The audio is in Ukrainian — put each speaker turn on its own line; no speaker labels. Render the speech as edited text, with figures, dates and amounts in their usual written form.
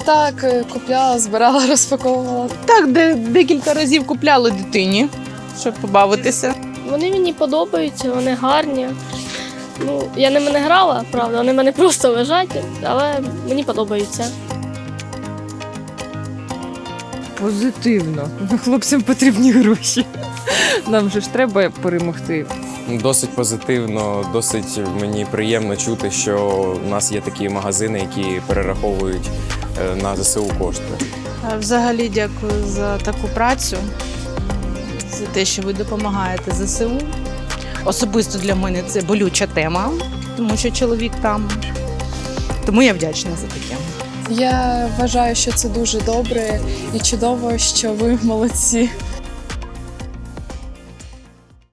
Так, купляла, збирала, розпаковувала.
Так, декілька разів купляли дитині, щоб побавитися.
Вони мені подобаються, вони гарні. Ну, я ними не грала, правда, вони в мене просто лежать, але мені подобаються.
Позитивно. Хлопцям потрібні гроші. Нам же ж треба перемогти.
Досить позитивно, досить мені приємно чути, що в нас є такі магазини, які перераховують на ЗСУ кошти.
Взагалі дякую за таку працю, за те, що ви допомагаєте ЗСУ. Особисто для мене це болюча тема, тому що чоловік там. Тому я вдячна за таке.
Я вважаю, що це дуже добре і чудово, що ви молодці.